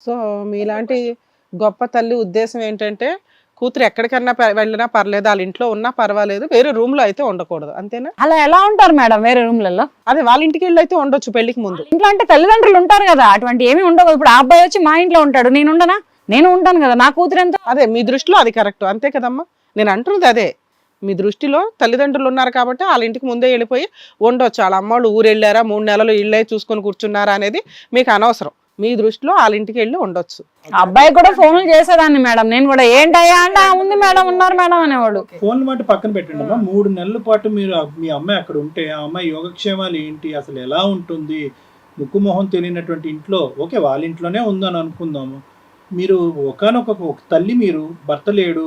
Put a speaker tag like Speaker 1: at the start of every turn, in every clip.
Speaker 1: So మీలాంటి గొప్ప తల్లి ఉద్దేశం ఏంటంటే కూతురు ఎక్కడికన్నా వెళ్ళినా పర్లేదు, వాళ్ళ ఇంట్లో ఉన్నా పర్వాలేదు, వేరే రూమ్ లో అయితే ఉండకూడదు, అంతేనా?
Speaker 2: అలా ఎలా ఉంటారు మేడం వేరే రూమ్లలో?
Speaker 1: అదే వాళ్ళ ఇంటికి వెళ్ళి అయితే ఉండొచ్చు పెళ్లికి ముందు.
Speaker 2: ఇంట్లో అంటే తల్లిదండ్రులు ఉంటారు కదా, అటువంటి ఏమి ఉండవు. ఇప్పుడు ఆ అబ్బాయి వచ్చి మా ఇంట్లో ఉంటాడు, నేను ఉండనా? నేను ఉంటాను కదా, నా కూతురు ఎంత.
Speaker 1: అదే మీ దృష్టిలో అది కరెక్ట్, అంతే కదమ్మా? నేను అంటున్నది అదే, మీ దృష్టిలో తల్లిదండ్రులు ఉన్నారు కాబట్టి వాళ్ళ ఇంటికి ముందే వెళ్ళిపోయి ఉండొచ్చు. వాళ్ళ అమ్మోళ్ళు ఊరు వెళ్ళారా, 3 నెలలు ఇళ్ళే చూసుకొని కూర్చున్నారా అనేది మీకు అనవసరం. మీ దృష్టిలో వాళ్ళ ఇంటికి వెళ్ళి ఉండొచ్చు.
Speaker 2: అబ్బాయి కూడా ఫోన్లు చేసేదాన్ని మేడం, నేను కూడా ఏంటయ్యా అంటే ఉంది మేడం, ఉన్నారు మేడం అనేవాడు.
Speaker 3: ఫోన్ల మాట పక్కన పెట్టండి అమ్మా. 3 నెలల పాటు మీరు మీ అమ్మాయి అక్కడ ఉంటే ఆ అమ్మాయి యోగక్షేమాలు ఏంటి, అసలు ఎలా ఉంటుంది, ముక్కు మొహం తెలియనటువంటి ఇంట్లో, ఓకే వాళ్ళ ఇంట్లోనే ఉందని అనుకుందాము, మీరు ఒకనొక తల్లి, మీరు భర్త లేడు,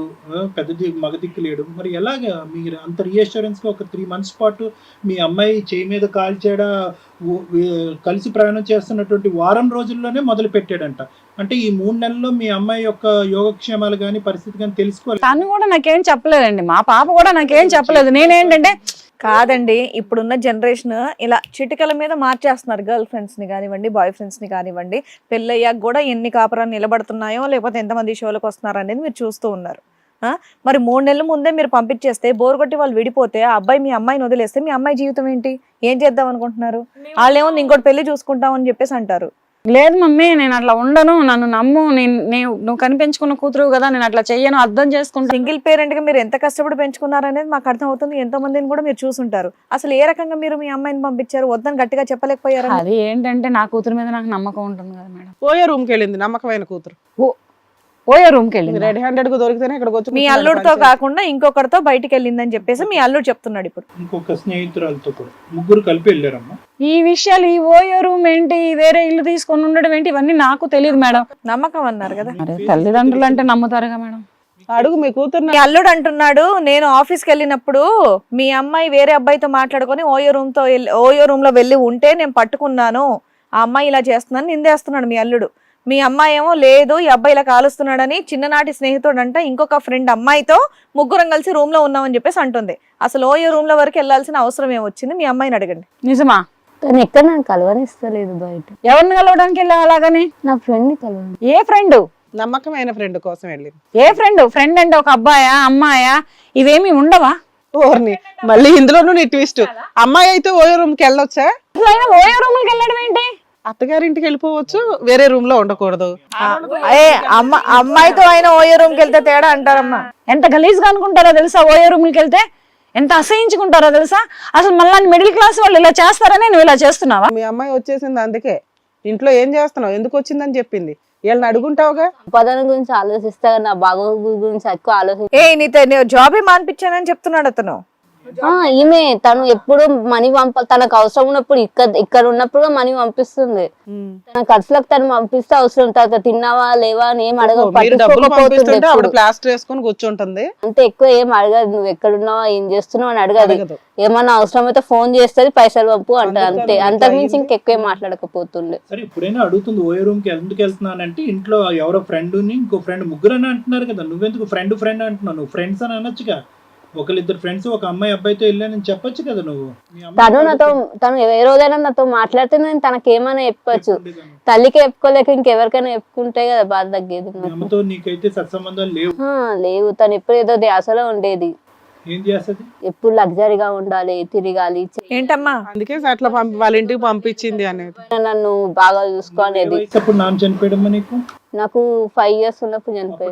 Speaker 3: మగ దిక్కు లేడు, మరి ఎలాగా మీరు అంత రీఅష్యూరెన్స్గా ఒక 3 months పాటు మీ అమ్మాయి చేయి మీద కాల్చేడా కలిసి ప్రయాణం చేస్తున్నటువంటి వారం రోజుల్లోనే మొదలు పెట్టాడంట. అంటే ఈ 3 నెలల్లో మీ అమ్మాయి యొక్క యోగక్షేమాలు కానీ పరిస్థితి కానీ తెలుసుకోవాలి.
Speaker 2: తను కూడా నాకేం చెప్పలేదండి, మా పాప కూడా నాకేం చెప్పలేదు. నేనేంటంటే
Speaker 4: కాదండి, ఇప్పుడున్న జనరేషన్ ఇలా చిటికల మీద మార్చేస్తున్నారు. గర్ల్ ఫ్రెండ్స్ ని కానివ్వండి, బాయ్ ఫ్రెండ్స్ ని కానివ్వండి. పెళ్ళయ్యాక కూడా ఎన్ని కాపురాలు నిలబడుతున్నాయో, లేకపోతే ఎంతమంది షోలకు వస్తున్నారు అనేది మీరు చూస్తూ ఉన్నారు. మరి 3 నెలల ముందే మీరు పంపించేస్తే, బోర్ కొట్టి వాళ్ళు విడిపోతే, ఆ అబ్బాయి మీ అమ్మాయిని వదిలేస్తే మీ అమ్మాయి జీవితం ఏంటి? ఏం చేద్దాం అనుకుంటున్నారు? వాళ్ళేమో ఇంకోటి పెళ్లి చూసుకుంటాం అని చెప్పేసి అంటారు.
Speaker 2: లేదు మమ్మీ, నేను అట్లా ఉండను, నన్ను నమ్ము, నువ్వు కనిపించుకున్న కూతురు కదా, నేను అట్లా చెయ్యను, అర్థం చేసుకుంటా.
Speaker 4: సింగిల్ పేరెంట్ గా మీరు ఎంత కష్టపడి పెంచుకున్నారు అనేది మాకు అర్థం అవుతుంది. ఎంతో మందిని కూడా మీరు చూసుంటారు. అసలు ఏ రకంగా మీరు మీ అమ్మాయిని పంపించారు? వద్దని గట్టిగా చెప్పలేకపోయారు.
Speaker 2: అది ఏంటంటే నా కూతురు మీద నాకు నమ్మకం ఉంటుంది కదా మేడం.
Speaker 1: పోయే రూమ్కి వెళ్ళింది నమ్మకమైన కూతురు,
Speaker 2: పోయే రూమ్కి వెళ్ళింది.
Speaker 1: రెడ్ హ్యాండెడ్ కు దొరికితేనే ఇక్కడికి వచ్చి
Speaker 4: మీ అల్లుడితో కాకుండా ఇంకొకరితో బయటికి వెళ్ళిందని చెప్పేసి మీ అల్లుడు చెప్తున్నాడు. ఇప్పుడు
Speaker 3: ఇంకొక స్నేహితురాలతో కూడా ముగ్గురు కలిపి వెళ్ళారమ్మా.
Speaker 2: ఈ విషయాలు, ఈ ఓయో రూమ్ ఏంటి, వేరే ఇల్లు తీసుకొని ఉండడం ఏంటి, ఇవన్నీ నాకు తెలియదు మేడం.
Speaker 4: నమ్మకం అన్నారు కదా,
Speaker 2: తల్లిదండ్రులు అంటే నమ్ముతారుగా మేడం.
Speaker 1: అడుగు మీ కూతురు.
Speaker 4: మీ అల్లుడు అంటున్నాడు, నేను ఆఫీస్కి వెళ్ళినప్పుడు మీ అమ్మాయి వేరే అబ్బాయితో మాట్లాడుకొని ఓయో రూమ్ లో వెళ్ళి ఉంటే నేను పట్టుకున్నాను, ఆ అమ్మాయి ఇలా చేస్తుందని నిందేస్తున్నాడు మీ అల్లుడు. మీ అమ్మాయి ఏమో లేదు, ఈ అబ్బాయి ఇలా కాలుస్తున్నాడని చిన్ననాటి స్నేహితుడు అంట ఇంకొక ఫ్రెండ్ అమ్మాయితో ముగ్గురం కలిసి రూమ్ లో ఉన్నామని చెప్పేసి అంటుంది. అసలు ఓయో రూమ్ లో వరకు వెళ్లాల్సిన అవసరం ఏమొచ్చింది? మీ అమ్మాయిని అడగండి.
Speaker 2: నిజమా?
Speaker 5: తను ఎక్కడ నాకు కలవనిస్తలేదు బయట.
Speaker 2: ఎవరిని కలవడానికి వెళ్ళావు అలాగని?
Speaker 5: నా ఫ్రెండ్ ని కలవని.
Speaker 2: ఏ ఫ్రెండ్?
Speaker 1: నమ్మకమైన ఫ్రెండ్ కోసం వెళ్ళింది.
Speaker 2: ఏ ఫ్రెండ్? ఫ్రెండ్ అంటే ఒక అబ్బాయా, అమ్మాయా, ఇవేమి ఉండవా?
Speaker 1: ఓర్ని, మళ్ళీ ఇందులోనూ నీ ట్విస్ట్. అమ్మాయి అయితే ఓయో రూమ్ కి వెళ్ళొచ్చా?
Speaker 2: ఓయో రూమ్ కి వెళ్ళడం ఏంటి?
Speaker 1: అత్తగారింటికి వెళ్ళిపోవచ్చు, వేరే రూమ్ లో ఉండకూడదు.
Speaker 4: అమ్మాయితో ఆయన ఓయో రూమ్ కి వెళ్తే తేడా అంటారమ్మా.
Speaker 2: ఎంత గలీజ్ గా అనుకుంటారో తెలుసా? ఓయో రూమ్ కి వెళ్తే ఎంత అసహించుకుంటారో తెలుసా? అసలు మళ్ళీ మిడిల్ క్లాస్ వాళ్ళు ఇలా చేస్తారని నువ్వు ఇలా చేస్తున్నావా?
Speaker 1: మీ అమ్మాయి వచ్చేసింది, అందుకే ఇంట్లో ఏం చేస్తున్నావు, ఎందుకు వచ్చిందని చెప్పింది. వీళ్ళని అడుగుంటావుగా.
Speaker 5: సంపాదన గురించి ఆలోచిస్తా, నా బాగోగు గురించి ఎక్కువ ఆలోచిస్తా.
Speaker 4: నీతో జాబే మానిపించానని చెప్తున్నాడు అతను.
Speaker 5: ఈమె తను ఎప్పుడు మనీ తనకు అవసరం ఉన్నప్పుడు ఇక్కడ ఉన్నప్పుడు మనీ పంపిస్తుంది. తన ఖర్చులకు తను పంపిస్తే అవసరం, తర్వాత తిన్నావా లేవా అని ఏం
Speaker 1: అడగకపోతుంది, ప్లాస్టర్ వేసుకొని కూర్చుంటుంది.
Speaker 5: అంతే, ఎక్కువ ఏం అడగదు. నువ్వు ఎక్కడున్నావా, ఏం చేస్తున్నావు అని అడగదు. ఏమన్నా అవసరం అయితే ఫోన్ చేస్తుంది, పైసలు పంపు అంట, అంతే. అంతకుమించి ఇంకెక్కువ మాట్లాడకపోతుండే.
Speaker 3: సరే, ఇప్పుడైనా అడుగుతుంది ఓయో రూమ్ కి ఎందుకు వెళ్తున్నానంటే, ఇంట్లో ఎవరో ఫ్రెండ్ ని ఇంకో ఫ్రెండ్ ముగ్గురు అని అంటున్నారు కదా, నువ్వెందుకు ఫ్రెండ్ అంటున్నావు? నువ్వు ఫ్రెండ్స్ అని అనొచ్చుగా. ఒకరిద్దరు ఫ్రెండ్స్ ఒక అమ్మాయి అబ్బాయితో వెళ్ళానని చెప్పొచ్చు కదా నువ్వు.
Speaker 5: తను ఏ రోజైనా నాతో మాట్లాడితే నేను తనకేమైనా చెప్పచ్చు. తల్లికి చెప్పుకోలేక ఇంకెవరికైనా చెప్పుకుంటే కదా బాధ తగ్గేది.
Speaker 3: నీకైతే సత్సంబంధాలు
Speaker 5: లేవు. తను ఎప్పుడు ఏదో ధ్యాసలో ఉండేది.
Speaker 3: ఏం చేస్తుంది?
Speaker 5: ఎప్పుడు లగ్జరీగా ఉండాలి, తిరగాలి.
Speaker 4: ఏంటమ్మా
Speaker 1: అందుకే అట్లా వాళ్ళ ఇంటికి పంపించింది అనేది.
Speaker 5: నన్ను బాగా చూసుకోనేది.
Speaker 3: నాన్న చనిపోయడమ్మా నీకు?
Speaker 5: నాకు 5 years ఉన్నప్పుడు చనిపోయింది.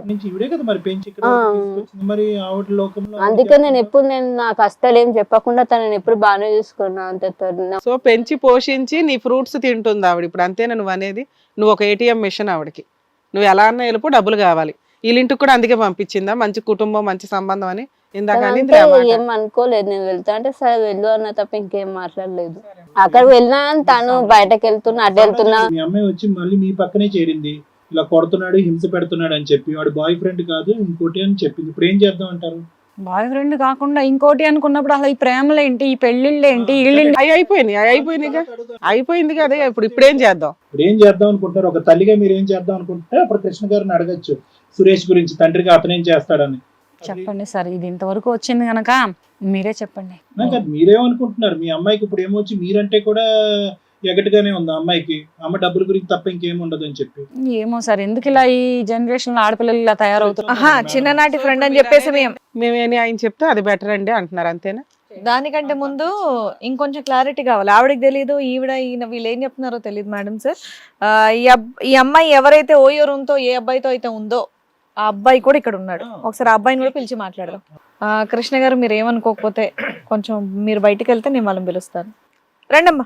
Speaker 5: అందుకే నేను ఎప్పుడు నా కష్టాలు ఏం చెప్పకుండా తనని ఎప్పుడు బాగానే చూసుకున్నా. అంతే.
Speaker 1: సో పెంచి పోషించి నీ ఫ్రూట్స్ తింటుంది ఆవిడ ఇప్పుడు, అంతేనా నువ్వు అనేది? నువ్వు ఒక ATM మిషన్ ఆవిడకి. నువ్వు ఎలా అన్నా వెళ్ళిపో, డబ్బులు కావాలి. వీళ్ళింటికి కూడా అందుకే పంపించిందా, మంచి కుటుంబం మంచి సంబంధం అని?
Speaker 5: ఏం అనుకోలేదు. నేను వెళ్తా అంటే సరే వెళ్ళు అన్న తప్ప ఇంకేం మాట్లాడలేదు. అక్కడికి వెళ్ళినా తను బయటకు వెళ్తున్నా, అడ్డు వెళ్తున్నా.
Speaker 3: మీ అమ్మాయి వచ్చి మళ్ళీ మీ పక్కనే చేరింది, ఇలా కొడుతున్నాడు, హింస పెడుతున్నాడు అని చెప్పి, వాడు బాయ్ ఫ్రెండ్ కాదు ఇంకోటి అని చెప్పింది. ఇప్పుడు ఏం చేద్దాం అంటారు?
Speaker 2: బాయ్ ఫ్రెండ్ కాకుండా ఇంకోటి అనుకున్నప్పుడు అసలు ఈ ప్రేమలు ఏంటి, ఈ పెళ్లిళ్ళు ఏంటి,
Speaker 1: అయిపోయింది కదా. ఇప్పుడు ఏం చేద్దాం?
Speaker 3: ఇప్పుడు ఏం చేద్దాం అనుకుంటారు? ఒక తల్లిగా మీరు ఏం చేద్దాం అనుకుంటే అప్పుడు కృష్ణ గారిని అడగచ్చు, సురేష్ గురించి, తండ్రిగా అతనేం చేస్తాడని.
Speaker 2: చెప్పండి సార్, ఇది ఇంతవరకు వచ్చింది కనుక మీరే చెప్పండి.
Speaker 3: మీరేమనుకుంటున్నారు? మీ అమ్మాయికి ఇప్పుడు ఏమొచ్చి మీరంటే కూడా ఎగటగానే ఉంది ఆ అమ్మాయికి, అమ్మ డబ్బుల గురించి తప్ప ఇంకేం ఉండదు అని చెప్పి.
Speaker 2: ఏమో సార్ ఎందుకు ఇలా ఈ జనరేషన్ లో ఆడపిల్లలు ఇలా తయారవుతున్నారు.
Speaker 4: ఆహా, చిన్ననాటి ఫ్రెండ్ అని చెప్పేసి
Speaker 1: మేమేని ఆయన చెప్తే అది బెటర్ అండి అంటున్నారు, అంతేనా?
Speaker 4: దానికంటే ముందు ఇంకొంచెం క్లారిటీ కావాలి. ఆవిడకి తెలియదు, ఈయన వీళ్ళు ఏం చెప్తున్నారో తెలియదు మేడం సార్. ఈ అమ్మాయి ఎవరైతే ఓయో రూమ్ తో ఏ అబ్బాయితో అయితే ఉందో ఆ అబ్బాయి కూడా ఇక్కడ ఉన్నాడు. ఒకసారి ఆ అబ్బాయిని కూడా పిలిచి మాట్లాడదాం. కృష్ణ గారు మీరు ఏమనుకోకపోతే కొంచెం మీరు బయటికి వెళ్తే నేను వాళ్ళని పిలుస్తాను. రండమ్మా.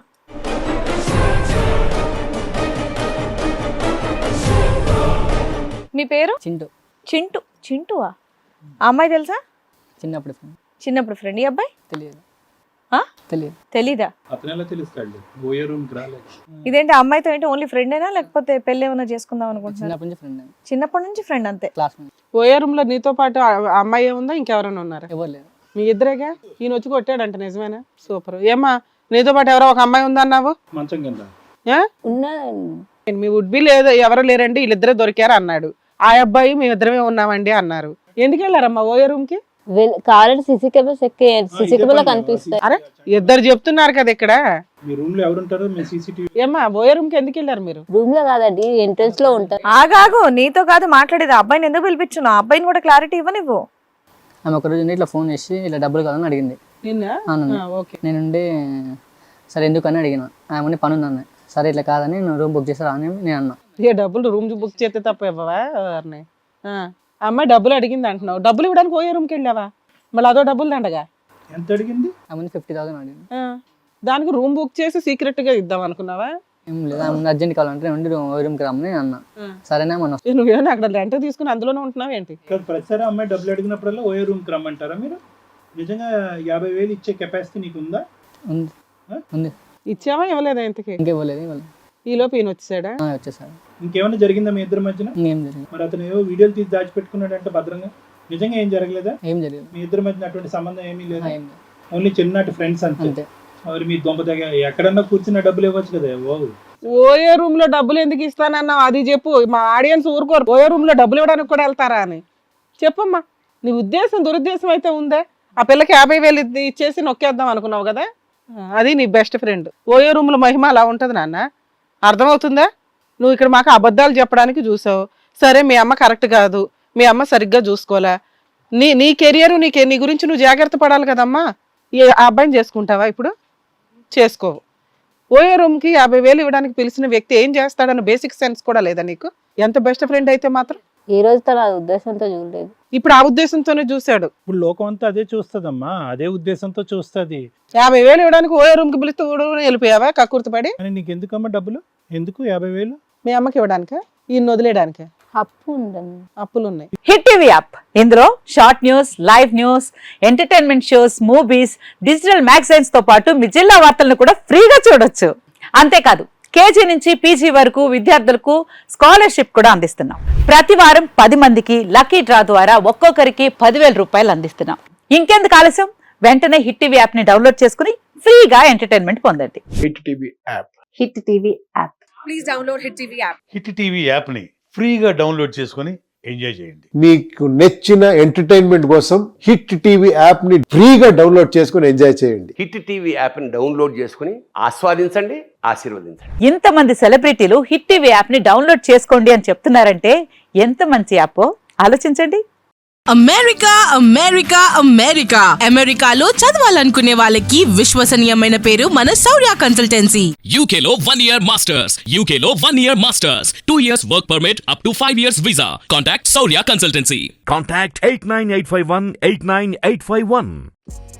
Speaker 4: మీ పేరు?
Speaker 6: చింటూ.
Speaker 4: చింటూ. చింటూవా? ఆ అమ్మాయి తెలుసా?
Speaker 6: చిన్నప్పుడు ఫ్రెండ్.
Speaker 4: చిన్నప్పుడు ఫ్రెండ్. ఈ అబ్బాయి
Speaker 6: తెలియదు. తెలియదు.
Speaker 4: తెలీదా?
Speaker 3: అతను ఎలా తెలుస్తాడు? ఓయో రూమ్ కి రాలేదు.
Speaker 4: ఇదేంటి అమ్మాయితో ఏంటి ఓన్లీ ఫ్రెండేనా లేకపోతే పెళ్లి ఏమైనా చేసుకుందాం అనుకుంటున్నారు?
Speaker 6: చిన్నప్పటి నుంచి ఫ్రెండ్.
Speaker 4: చిన్నప్పటి నుంచి ఫ్రెండ్ అంతే.
Speaker 6: క్లాస్మేట్.
Speaker 1: ఓయే రూమ్ లో నీతో పాటు ఆ అమ్మాయి ఏముందా, ఇంకెవరైనా ఉన్నారా?
Speaker 6: ఎవరు లేరు.
Speaker 1: మీ ఇద్దరేగా? ఈయన వచ్చి కొట్టాడంట, నిజమేనా? సూపర్. ఏమ్మా నీతో పాటు ఎవరో ఒక అమ్మాయి ఉందన్నావు?
Speaker 3: మంచం కింద
Speaker 5: ఉన్నదండి.
Speaker 1: మీ వుడ్ బి లేదు, ఎవరు లేరండి, వీళ్ళిద్దరే దొరికారు అన్నాడు. ఆ అబ్బాయి మేమిద్దరమే ఉన్నామండి అన్నారు. ఎందుకు వెళ్ళారమ్మా ఓయే రూమ్ కి?
Speaker 5: కావాలంటే సీసీ కెమెరాస్ సీసీ కెమెరా కనిపిస్తాయి.
Speaker 1: అరే ఇద్దరు చెప్తున్నారు కదా ఇక్కడ.
Speaker 3: మీ రూమ్ లో ఎవరుంటారో మీ సీసీటీవీ.
Speaker 1: ఏమ్మా ఓయే రూమ్ కి ఎందుకు వెళ్ళారు మీరు?
Speaker 5: రూమ్ లో కాదండి, ఎంట్రన్స్ లో ఉంటారు.
Speaker 4: ఆగాగు, నీతో కాదు మాట్లాడేది. అబ్బాయిని ఎందుకు పిలిపించున్నావు? అబ్బాయిని కూడా క్లారిటీ ఇవ్వనివ్వు.
Speaker 6: ఆమె ఒక రోజు ఇట్లా ఫోన్ చేసి ఇలా డబ్బులు కావాలని అడిగింది.
Speaker 1: నిన్న ఓకే.
Speaker 6: నేనుండి సరే ఎందుకని అడిగిన. ఆమె పని ఉందన్న. సరే ఇట్లా కాదని నేను రూమ్ బుక్ చేస్తారా అని నేను అన్నా.
Speaker 1: ఏ డబ్బులు రూమ్ బుక్ చేస్తే తప్ప ఇవ్వవా? అమ్మాయి డబ్బులు అడిగింది అంటున్నావు, డబ్బులు ఇవ్వడానికి ఓయే రూమ్కి వెళ్ళావా? మళ్ళీ అదో డబ్బులు దండగా.
Speaker 3: ఎంత అడిగింది?
Speaker 6: ఆమె 50,000 అడిగింది.
Speaker 1: దానికి రూమ్ బుక్ చేసి సీక్రెట్ గా ఇద్దాం అనుకున్నావా?
Speaker 6: ఏం లేదు, ఆమె అర్జెంట్ కావాలంటే ఉండి రూమ్కి రమ్మని నేను అన్నా. సరేనా మనం
Speaker 1: నువ్వేనా అక్కడ రెంట్ తీసుకుని అందులోనే ఉంటున్నావు ఏంటి?
Speaker 3: ప్రతిసారి అమ్మాయి డబ్బులు అడిగినప్పుడల్లా ఓయో రూమ్ కి రమ్మంటారా మీరు? నిజంగా 50,000 ఇచ్చే కెపాసిటీ నీకు ఉందా?
Speaker 6: ఉంది. ఉంది.
Speaker 1: ఇచ్చావా ఇవ్వలేదా ఇంతకి?
Speaker 6: ఇంకేవ్వలేదు. ఇవ్వలేదు.
Speaker 1: ఈ లోపు ఈయన వచ్చేసాడా?
Speaker 6: వచ్చేసారు.
Speaker 3: ఇంకేమైనా జరిగిందా మీ ఇద్దరి మధ్యన?
Speaker 6: ఇంకేం జరిగింది.
Speaker 3: మరి అతను ఏవో వీడియోలు తీసి దాచిపెట్టుకున్నాడంటే భద్రంగా. నిజంగా ఏం జరగలేదా?
Speaker 6: ఏం జరిగింది.
Speaker 3: మీ ఇద్దరి మధ్యన అటువంటి సంబంధం ఏమీ లేదా?
Speaker 6: ఏం లేదు.
Speaker 3: ఓన్లీ చిన్ననాటి ఫ్రెండ్స్ అంతే.
Speaker 6: అంతే.
Speaker 3: మరి మీ దొంప దగ్గర ఎక్కడన్నా కూర్చున్న డబ్బులు ఇవ్వచ్చు కదా.
Speaker 1: ఓయే రూమ్ లో డబ్బులు ఎందుకు ఇస్తానన్నావు అది చెప్పు. మా ఆడియన్స్ ఊరుకోరు ఓయే రూమ్ లో డబ్బులు ఇవ్వడానికి కూడా వెళ్తారా అని చెప్పమ్మా. నీ ఉద్దేశం దురుద్దేశం అయితే ఉందే. ఆ పిల్లకి 50,000 ఇచ్చేసి నొక్కేద్దాం అనుకున్నావు కదా, అది నీ బెస్ట్ ఫ్రెండ్. ఓయే రూమ్ లో మహిమ అలా ఉంటది నాన్న, అర్థమవుతుందా? నువ్వు ఇక్కడ మాకు అబద్ధాలు చెప్పడానికి చూసావు. సరే మీ అమ్మ కరెక్ట్ కాదు, మీ అమ్మ సరిగ్గా చూసుకోలే. నీ కెరియర్ నీ గురించి నువ్వు జాగ్రత్త పడాలి కదమ్మా. ఆ అబ్బాయిని చేసుకుంటావా ఇప్పుడు? చేసుకోవు. ఓయే రూమ్కి 50,000 ఇవ్వడానికి పిలిచిన వ్యక్తి ఏం చేస్తాడన్న బేసిక్ సెన్స్ కూడా లేదా నీకు? ఎంత బెస్ట్ ఫ్రెండ్ అయితే మాత్రం
Speaker 5: ఈ రోజు తన ఉద్దేశంతో చూడలేదు.
Speaker 1: ఇప్పుడు ఆ ఉద్దేశంతోనే చూశాడు.
Speaker 3: ఇప్పుడు లోకం అంతా అదే చూస్తుందమ్మా, అదే ఉద్దేశంతో చూస్తుంది.
Speaker 1: 50,000 ఇవ్వడానికి ఓయే రూమ్కి పిలిస్తే వెళ్ళిపోయావా కక్కుర్తిపడి?
Speaker 3: అని నీకు ఎందుకమ్మా డబ్బులు? ఎందుకు 50,000?
Speaker 1: మీ అమ్మకి ఇవ్వడానికా, ఈయన వదిలేయడానికా?
Speaker 5: అప్పు ఉందండి.
Speaker 1: అప్పులు ఉన్నాయి.
Speaker 7: హిట్ టీవీ యాప్, ఇందులో short news, live news, entertainment shows, movies, digital magazines తో పాటు మీ జిల్లా వార్తలను కూడా ఫ్రీగా చూడొచ్చు. అంతేకాదు కేజీ నుంచి పీజీ వరకు విద్యార్థులకు స్కాలర్షిప్ కూడా అందిస్తున్నాం. ప్రతి వారం 10 మందికి లక్కీ డ్రా ద్వారా ఒక్కొక్కరికి 10,000 రూపాయలు అందిస్తున్నాం. ఇంకెందుకు ఆలస్యం, వెంటనే హిట్ టీవీ యాప్ ని డౌన్లోడ్ చేసుకుని ఫ్రీగా ఎంటర్టైన్మెంట్ పొందండి.
Speaker 8: Hit TV app.
Speaker 7: Hit TV app.
Speaker 9: Please download hit TV app.
Speaker 8: Hit TV యాప్ని ఫ్రీగా డౌన్లోడ్ చేసుకొని ఎంజాయ్ చేయండి.
Speaker 10: మీకు నచ్చిన ఎంటర్టైన్మెంట్ కోసం హిట్ టీవీ యాప్ ని ఫ్రీగా డౌన్లోడ్ చేసుకొని ఎంజాయ్ చేయండి.
Speaker 11: హిట్ టీవీ యాప్ని డౌన్లోడ్ చేసుకుని ఆస్వాదించండి, ఆశీర్వదించండి.
Speaker 7: ఇంతమంది సెలబ్రిటీలు హిట్ టీవీ యాప్ ని డౌన్లోడ్ చేసుకోండి అని చెప్తున్నారంటే ఎంత మంచి యాప్ ఆలోచించండి.
Speaker 9: అమెరికా అమెరికా అమెరికా అమెరికాలో చదవాలనుకునే వాళ్ళకి విశ్వసనీయమైన పేరు మన శౌర్య కన్సల్టెన్సీ.
Speaker 12: UK లో 1 year masters, UK లో 1 year masters, 2 years work permit up to 5 years visa. Contact Saurya Consultancy.
Speaker 13: Contact 89851 89851.